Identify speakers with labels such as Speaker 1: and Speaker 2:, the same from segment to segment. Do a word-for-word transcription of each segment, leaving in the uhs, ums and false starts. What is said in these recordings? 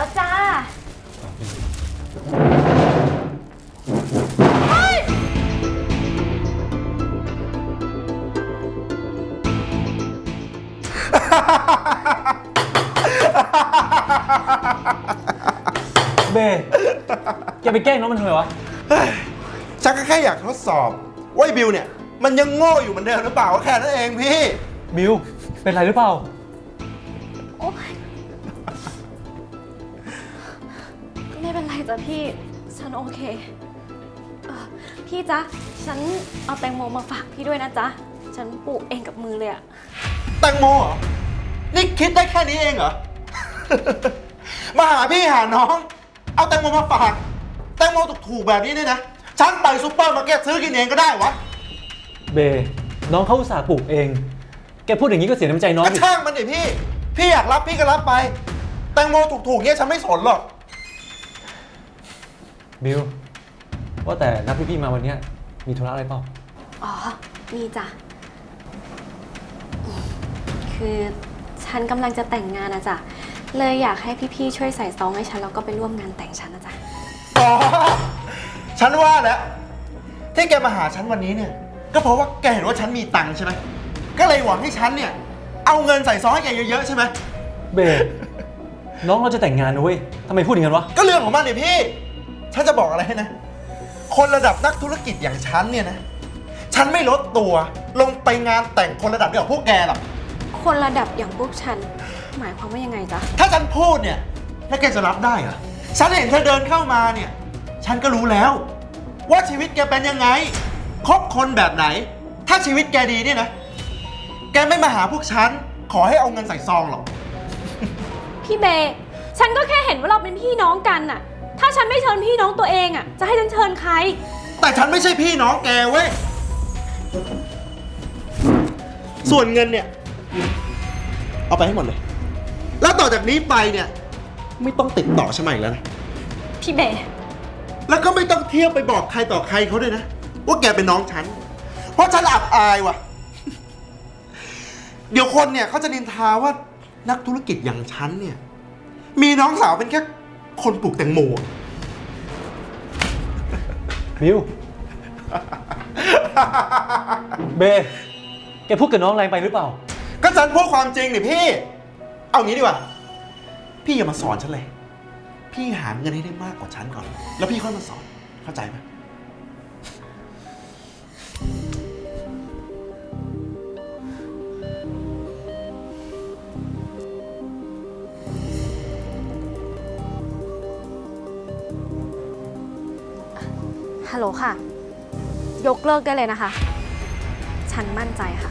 Speaker 1: แล้วจ้า
Speaker 2: เบแกไปแกล้งน้องมันทำไมวะ
Speaker 3: ฉันก็แค่อยากทดสอบว่าไอ้บิวเนี่ยมันยังโง่อยู่เหมือนเดิมหรือเปล่าแค่นั้นเองพี่
Speaker 2: บิวเป็นไรหรือเปล่า
Speaker 1: โอ๊ยไม่เป็นไรจ้ะพี่ฉันโอเคเอ่อพี่จ๊ะฉันเอาแตงโมมาฝากพี่ด้วยนะจ๊ะฉันปลูกเองกับมือเลยอะ
Speaker 3: แตงโมเหรอนี่คิดได้แค่นี้เองเหรอ มาหาพี่หาน้อง เอาแตงโมมาฝากแตงโมถูกๆแบบนี้เนี่ยนะฉันไปซูเปอร์มาร์เก็ตซื้อกินเองก็ได้วะ
Speaker 2: เบน้องเขาอุตส่าห์ปลูกเองแกพูดอย่างนี้ก็เสียน้ำใจน้อง
Speaker 3: ก็
Speaker 2: ดิ
Speaker 3: ช่างมันดิพี่ พี่อยากรับพี่ก็รับไป แตงโมถูกๆเนี่ยฉันไม่สนหรอก
Speaker 2: บิวว่าแต่นัดพี่ๆมาวันเนี้ยมีธุระอะไรเปล่า
Speaker 1: อ๋อมีจ้ะคือฉันกำลังจะแต่งงานนะจ๊ะเลยอยากให้พี่ๆช่วยใส่ซองให้ฉันแล้วก็ไปร่วมงานแต่งฉันนะจ๊ะ
Speaker 3: อ๋อ ฉันว่าแล้วที่แกมาหาฉันวันนี้เนี่ย ก็เพราะว่าแกเห็นว่าฉันมีตังค์ใช่ไหมก็เลยหวังให้ฉันเนี่ย เอาเงินใส่ซองให้แกเยอะๆใช่ไหม
Speaker 2: เบน้องเราจะแต่งงานนะเว้ยทำไมพูดอย่างนั้นวะ
Speaker 3: ก็เรื่องของมันดิพี่ ฉันจะบอกอะไรให้นะ คนระดับนักธุรกิจอย่างฉันเนี่ยนะ ฉันไม่ลดตัวลงไปงานแต่งคนระดับเดียวกับพวกแกหรอก
Speaker 1: คนระดับอย่างพวกฉัน หมายความว่ายังไงจ๊ะ
Speaker 3: ถ้าฉันพูดเนี่ยแล้วแกจะรับได้เหรอ ฉันเห็นเธอเดินเข้ามาเนี่ย ฉันก็รู้แล้ว ว่าชีวิตแกเป็นยังไง คบคนแบบไหน ถ้าชีวิตแกดีเนี่ยนะ แกไม่มาหาพวกฉัน ขอให้เอาเงินใส่ซองหรอก
Speaker 1: พี่เบย์ฉันก็แค่เห็นว่าเราเป็นพี่น้องกันน่ะ ถ้าฉันไม่เชิญพี่น้องตัวเองอ่ะ จะให้ฉันเชิญใคร
Speaker 3: แต่ฉันไม่ใช่พี่น้องแกเว้ย ส่วนเงินเนี่ย เอาไปให้หมดเลย แล้วต่อจากนี้ไปเนี่ย ไม่ต้องติดต่อฉันมาอีกแล้วนะ
Speaker 1: พี่เบย์
Speaker 3: แล้วก็ไม่ต้องเที่ยวไปบอกใครต่อใครเขาด้วยนะ ว่าแกเป็นน้องฉัน เพราะฉันอับอายว่ะ เดี๋ยวคนเนี่ยเขาจะนินทาว่านักธุรกิจอย่างฉันเนี่ย มีน้องสาวเป็นแค่คนปลูกแตงโม
Speaker 2: บิว เบแกพูดกับน้องแรงไปหรือเปล่า
Speaker 3: ก็ฉันพูดความจริงนี่พี่ เอางี้ดีกว่า พี่อย่ามาสอนฉันเลย พี่หาเงินให้ได้มากกว่าฉันก่อน แล้วพี่ค่อยมาสอน เข้าใจไหม
Speaker 1: ฮัลโหลค่ะ ยกเลิกได้เลยนะคะ ฉันมั่นใจค่ะ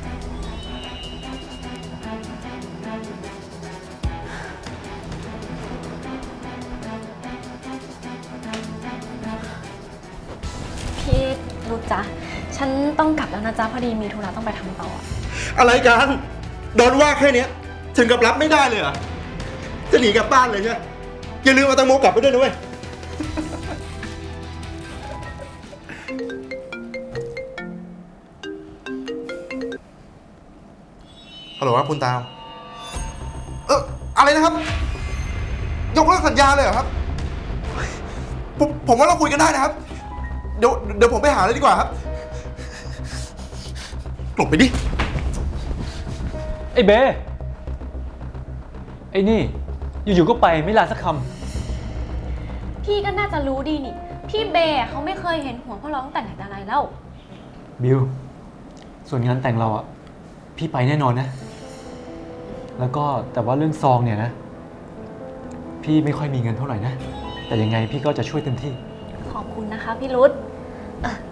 Speaker 1: พี่รุดจ๊ะ ฉันต้องกลับแล้วนะจ๊ะ พอดีมีธุระต้องไปทำต่อ
Speaker 3: อะไรกันโดนว่าแค่เนี้ยถึงกับรับไม่ได้เลยเหรอ จะหนีกลับบ้านเลยใช่ไหมอย่าลืมเอาแตังโมกลับไปด้วยนะเว้ย ฮัลโหลครับคุณตาว เอออะไรนะครับ ยกเลิกสัญญาเลยเหรอครับ ผมผมว่าเราคุยกันได้นะครับ เดี๋ยวเดี๋ยวผมไปหาเลยดีกว่าครับหลบไปดิ
Speaker 2: ไอ้เบไอ้นี่ อยู่ๆก็ไปไม่ลาสักค
Speaker 1: พี่ก็น่าจะรู้ดีนี่ พี่เบย์เขาไม่เคยเห็นหัวพวกเราตั้งแต่ไหนแต่ไรแล้ว
Speaker 2: ำบิว ส่วนงานแต่งเราอ่ะ พี่ไปแน่นอนนะ แล้วก็แต่ว่าเรื่องซองเนี่ยนะ พี่ไม่ค่อยมีเงินเท่าไหร่นะ แต่ยังไงพี่ก็จะช่วยเต็มที่
Speaker 1: ขอบคุณนะคะพี่รุธเอ่อ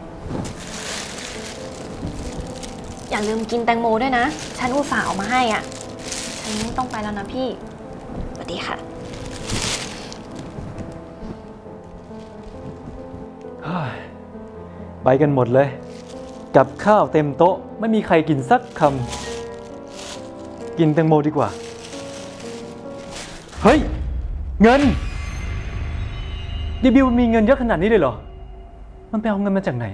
Speaker 1: อย่าลืมกินแตงโมด้วยนะ ฉันอุตส่าห์เอามาให้อ่ะ ฉันต้องไปแล้วนะพี่ สวัสดีค่ะ
Speaker 2: ไปกันหมดเลย กับข้าวเต็มโต๊ะไม่มีใครกินสักคำ กินแตงโมดีกว่า เฮ้ย เงินดิบิวมีเงินเยอะขนาดนี้เลยเหรอ มันไปเอาเงินมาจากไหน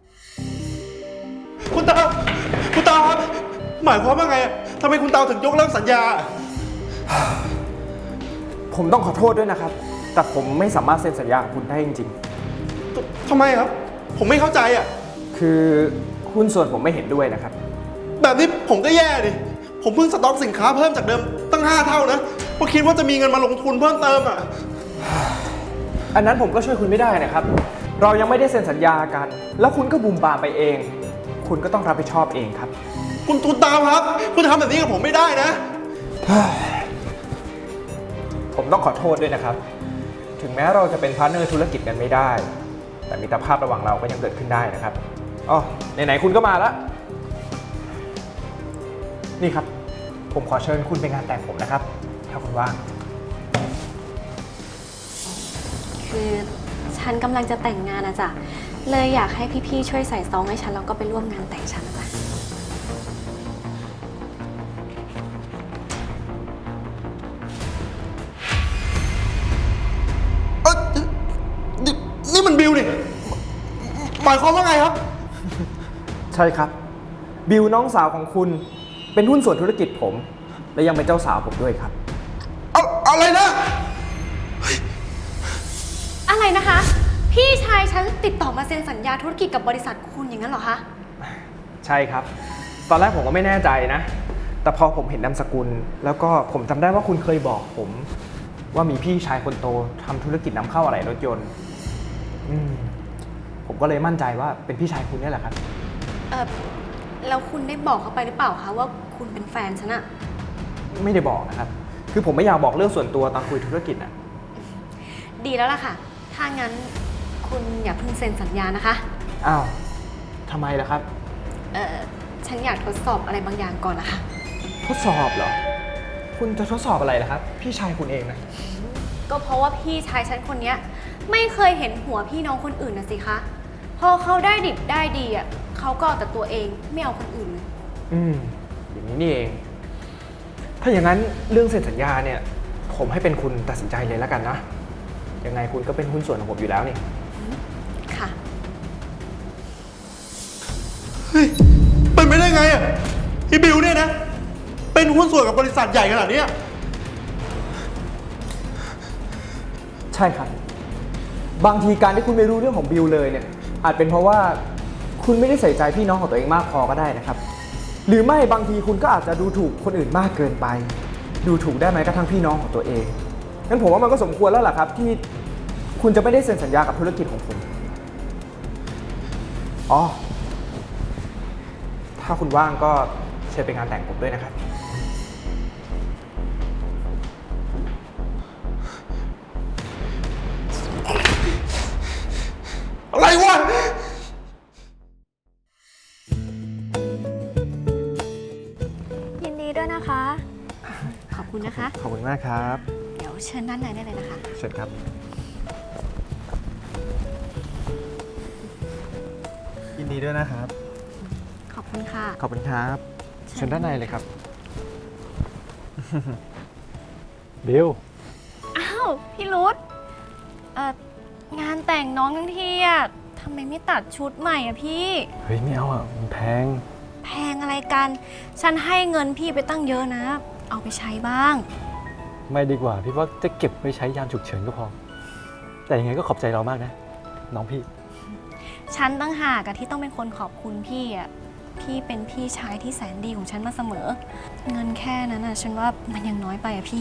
Speaker 3: คุณตาวคุณตาวครับ หมายความว่าไงอะทำไมคุณตาวถึงยกเลิกสัญญา
Speaker 2: ก
Speaker 4: ผมต้องขอโทษด้วยนะครับ แต่ผมไม่สามารถเซ็นสัญญากับคุณได้จริง
Speaker 3: ทำไมครับ ผมไม่เข้าใจอ่ะ
Speaker 4: ๆ คือหุ้นส่วนผมไม่เห็นด้วยนะครับ
Speaker 3: แบบนี้ผมก็แย่ดิ ผมเพิ่งสต็อกสินค้าเพิ่มจากเดิมตั้งห้าเท่านะเพราะคิดว่าจะมีเงินมาลงทุนเพิ่มเติมอ่ะ
Speaker 4: อันนั้นผมก็ช่วยคุณไม่ได้นะครับ เรายังไม่ได้เซ็นสัญญากัน แล้วคุณก็บูมบามไปเอง คุณก็ต้องรับผิดชอบเองครับ
Speaker 3: คุณตูนตามครับ คุณทำแบบนี้กับผมไม่ได้นะ
Speaker 4: ผมต้องขอโทษด้วยนะครับ ถึงแม้เราจะเป็นพาร์ทเนอร์ธุรกิจกันไม่ได้ แต่มิตรภาพระหว่างเราก็ยังเกิดขึ้นได้นะครับอ๋อไหนๆคุณก็มาแล้ว นี่ครับ ผมขอเชิญคุณไปงานแต่งผมนะครับ ถ้าคุณว่าง
Speaker 1: คือฉันกำลังจะแต่งงานนะจ๊ะ เลยอยากให้พี่ๆช่วยใส่ซองให้ฉันแล้วก็ไปร่วมงานแต่งฉันนะจ๊ะ
Speaker 3: เอ้ยนี่นี่มันบิลนี่หมายความว่าไงครับ
Speaker 4: ใช่ครับ บิวน้องสาวของคุณเป็นหุ้นส่วนธุรกิจผม และยังเป็นเจ้าสาวผมด้วยครับ
Speaker 3: เอาอะไรนะ
Speaker 1: อะไรนะคะ พี่ชายฉันติดต่อมาเซ็นสัญญาธุรกิจกับบริษัทคุณอย่างนั้นเหรอคะ
Speaker 4: ใช่ครับ ตอนแรกผมก็ไม่แน่ใจนะ แต่พอผมเห็นนามสกุล แล้วก็ผมจำได้ว่าคุณเคยบอกผม ว่ามีพี่ชายคนโตทำธุรกิจนำเข้าอะไหล่รถยนต์อืมผมก็เลยมั่นใจว่าเป็นพี่ชายคุณนี่แหละครับ
Speaker 1: เออแล้วคุณได้บอกเขาไปหรือเปล่าคะว่าคุณเป็นแฟนฉันอะ
Speaker 4: ไม่ได้บอกนะครับ คือผมไม่อยากบอกเรื่องส่วนตัวตอนคุยธุรกิจนะ
Speaker 1: ดีแล้วล่ะค่ะ ถ้างั้นคุณอย่าเพิ่งเซ็นสัญญานะคะ
Speaker 4: อ้าวทำไมล่ะครับ
Speaker 1: เออฉันอยากทดสอบอะไรบางอย่างก่อนนะคะ
Speaker 4: ทดสอบเหรอ คุณจะทดสอบอะไรล่ะครับ พี่ชายคุณเองนะ
Speaker 1: ก็เพราะว่าพี่ชายฉันคนเนี้ยไม่เคยเห็นหัวพี่น้องคนอื่นนะสิคะ พอเขาได้ดิบได้ดีอ่ะเขาก็เอาแต่ตัวเองไม่เอาคนอื่นเลย
Speaker 4: อืม อย่างนี้นี่เอง ถ้าอย่างนั้นเรื่องเซ็นสัญญาเนี่ย ผมให้เป็นคุณตัดสินใจเลยแล้วกันนะ ยังไงคุณก็เป็นหุ้นส่วนของผมอยู่แล้วนี่
Speaker 1: ค่ะ
Speaker 3: เฮ้ยเป็นไปได้ไงอ่ะที่บิลเนี่ยนะ เป็นหุ้นส่วนกับบริษัทใหญ่ขนาดเนี้ย
Speaker 4: ใช่ครับ บางทีการที่คุณไม่รู้เรื่องของบิลเลยเนี่ย อาจเป็นเพราะว่าคุณไม่ได้ใส่ใจพี่น้องของตัวเองมากพอก็ได้นะครับ หรือไม่บางทีคุณก็อาจจะดูถูกคนอื่นมากเกินไป ดูถูกได้ไหมกระทั่งพี่น้องของตัวเองงั้นผมว่ามันก็สมควรแล้วล่ะครับ ที่คุณจะไม่ได้เซ็นสัญญากับธุรกิจของผมอ๋อถ้าคุณว่างก็เชิญไปงานแต่งผมด้วยนะครับ
Speaker 3: อะไรวะ
Speaker 1: ยินดีด้วยนะคะ ขอบคุณนะคะ
Speaker 4: ขอบคุณมากครับ
Speaker 1: เดี๋ยวเชิญด้านในได้เลยนะคะ
Speaker 4: เชิญครับ
Speaker 2: ยินดีด้วยนะครับ
Speaker 1: ขอบคุณค่ะ
Speaker 4: ขอบคุณครับ เชิญด้านในเลยครับ
Speaker 2: บิล
Speaker 1: อ้าว พี่รุธเอ่องานแต่งน้องทั้งทีอ่ะทำไมไม่ตัดชุดใหม่อ่ะพี่
Speaker 2: เฮ้ยไม่เอาอ่ะมันแพง
Speaker 1: แพงอะไรกัน ฉันให้เงินพี่ไปตั้งเยอะนะ เอาไปใช้บ้าง
Speaker 2: ไม่ดีกว่า พี่ว่าจะเก็บไว้ใช้ยามฉุกเฉินก็พอ แต่ยังไงก็ขอบใจเรามากนะ น้องพี่
Speaker 1: ฉันตั้งหากอะที่ต้องเป็นคนขอบคุณพี่อ่ะ พี่เป็นพี่ชายที่แสนดีของฉันมาเสมอ เงินแค่นั้นอ่ะฉันว่ามันยังน้อยไปอ่ะพี่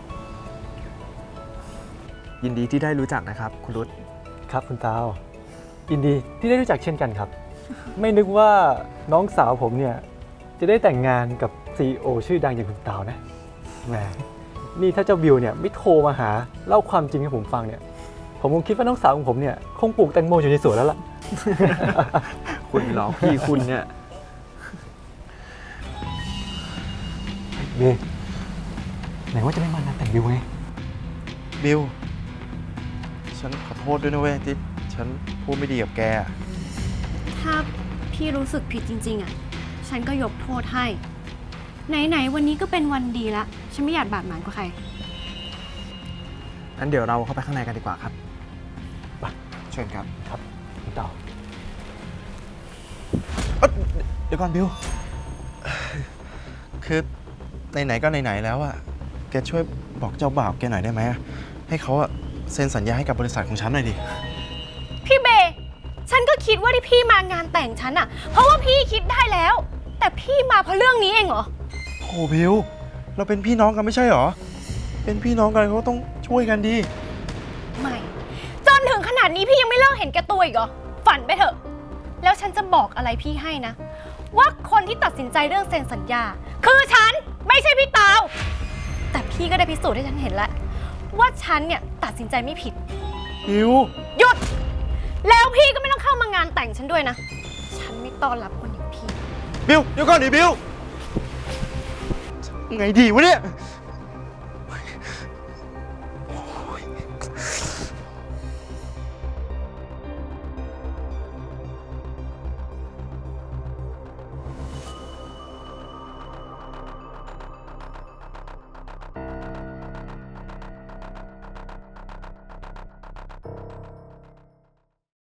Speaker 4: ยินดีที่ได้รู้จักนะครับ คุณรุต
Speaker 2: ครับคุณตาวยินดีที่ได้รู้จักเช่นกันครับ ไม่นึกว่าน้องสาวผมเนี่ยจะได้แต่งงานกับ ซี อี โอ ชื่อดังอย่างคุณตาวนะแหมนี่ถ้าเจ้าบิวเนี่ยไม่โทรมาหาเล่าความจริงให้ผมฟังเนี่ยผมคงคิดว่าน้องสาวของผมเนี่ยคงปลูกแตงโมอยู่ในสวนแล้วล่ะ
Speaker 4: คุณหลอกพี่คุณเนี่ย
Speaker 2: เบไหนว่าจะไม่มางานแต่งบิวไง
Speaker 3: บิล ฉันขอโทษด้วยนะเว้ยที่ฉันพูดไม่ดีกับแก
Speaker 1: ถ้าพี่รู้สึกผิดจริงๆอ่ะ ฉันก็ยกโทษให้ ไหนๆวันนี้ก็เป็นวันดีละ ฉันไม่อยากบาดหมางกับใคร
Speaker 4: งั้นเดี๋ยวเราเข้าไปข้างในกันดีกว่าครับ
Speaker 2: ไป
Speaker 4: เชิญครับ
Speaker 2: ครับคุณตาว
Speaker 3: เอ้ยเดี๋ยวก่อนบิว คือไหนๆก็ไหนๆแล้วอะแกช่วยบอกเจ้าบ่าวแกหน่อยได้ไหมให้เขาอะเซ็นสัญญาให้กับบริษัทของฉันหน่อยดิ
Speaker 1: พี่เบย์ฉันก็คิดว่าที่พี่มางานแต่งฉันอะเพราะว่าพี่คิดได้แล้ว แต่พี่มาเพราะเรื่องนี้เองเหรอ
Speaker 3: โหบิวเราเป็นพี่น้องกันไม่ใช่เหรอ เป็นพี่น้องกันเขาต้องช่วยกันดิ
Speaker 1: ไม่ จนถึงขนาดนี้พี่ยังไม่เลิกเห็นแก่ตัวอีกเหรอ ฝันไปเถอะ แล้วฉันจะบอกอะไรพี่ให้นะ ว่าคนที่ตัดสินใจเรื่องเซ็นสัญญา คือฉันไม่ใช่พี่ตาว แต่พี่ก็ได้พิสูจน์ให้ฉันเห็นแล้วว่าฉันเนี่ยตัดสินใจไม่ผิด
Speaker 3: บิว
Speaker 1: หยุด แล้วพี่ก็ไม่ต้องเข้ามางานแต่งฉันด้วยนะ ฉันไม่ต้อนรับคนอย่างพี่
Speaker 3: บิวเดี๋ยวก่อนดิบิวไงดีวะเนี่ย